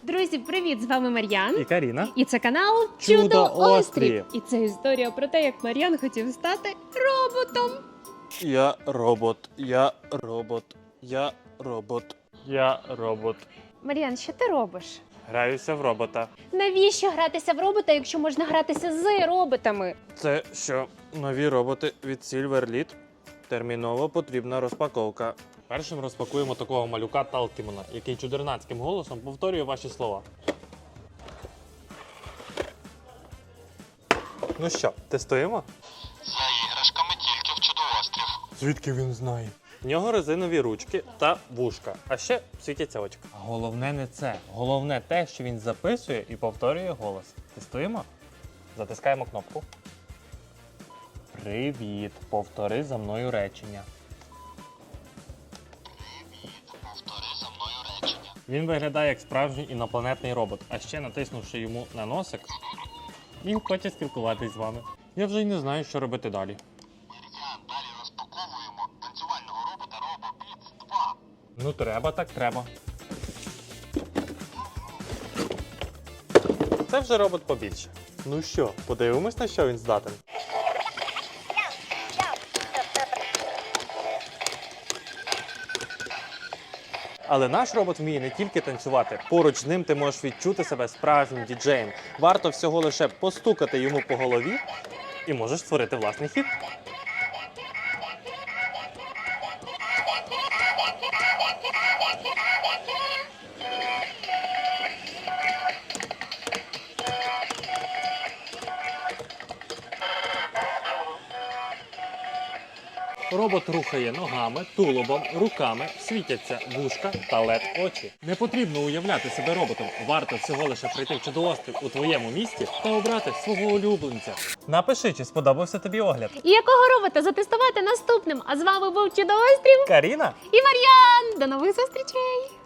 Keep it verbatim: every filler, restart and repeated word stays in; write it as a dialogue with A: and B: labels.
A: Друзі, привіт! З вами Мар'ян.
B: І Каріна.
A: І це канал
B: Чудо
A: Чудо-Острів.
B: Острів.
A: І це історія про те, як Мар'ян хотів стати роботом.
B: Я робот, я робот, я робот, я робот.
A: Мар'ян, що ти робиш?
B: Граюся в робота.
A: Навіщо гратися в робота, якщо можна гратися з роботами?
B: Це що, нові роботи від Silverlit? Терміново потрібна розпаковка. Першим розпакуємо такого малюка Талкімона, який чудернацьким голосом повторює ваші слова. Ну що, тестуємо?
C: За іграшками тільки в Чудо-Острів.
B: Звідки він знає? В нього резинові ручки та вушка, а ще світяться очка. Головне не це. Головне те, що він записує і повторює голос. Тестуємо? Затискаємо кнопку. Привіт. Повтори за мною речення.
C: Привіт, повтори за мною речення.
B: Він виглядає як справжній інопланетний робот, а ще натиснувши йому на носик, він хоче спілкуватись з вами. Я вже й не знаю, що робити далі.
C: Мар'ян, далі розпаковуємо танцювального робота RoboBeats два.
B: Ну треба, так треба. Це вже робот побільше. Ну що, подивимось, на що він здатен. Але наш робот вміє не тільки танцювати. Поруч з ним ти можеш відчути себе справжнім діджеєм. Варто всього лише постукати йому по голові і можеш створити власний хіт. Робот рухає ногами, тулубом, руками, світяться вушка та лед очі. Не потрібно уявляти себе роботом. Варто всього лише прийти в Чудо-Острів у твоєму місті та обрати свого улюбленця. Напиши, чи сподобався тобі огляд.
A: І якого робота затестувати наступним? А з вами був Чудо-Острів
B: Каріна?
A: і Мар'ян. До нових зустрічей!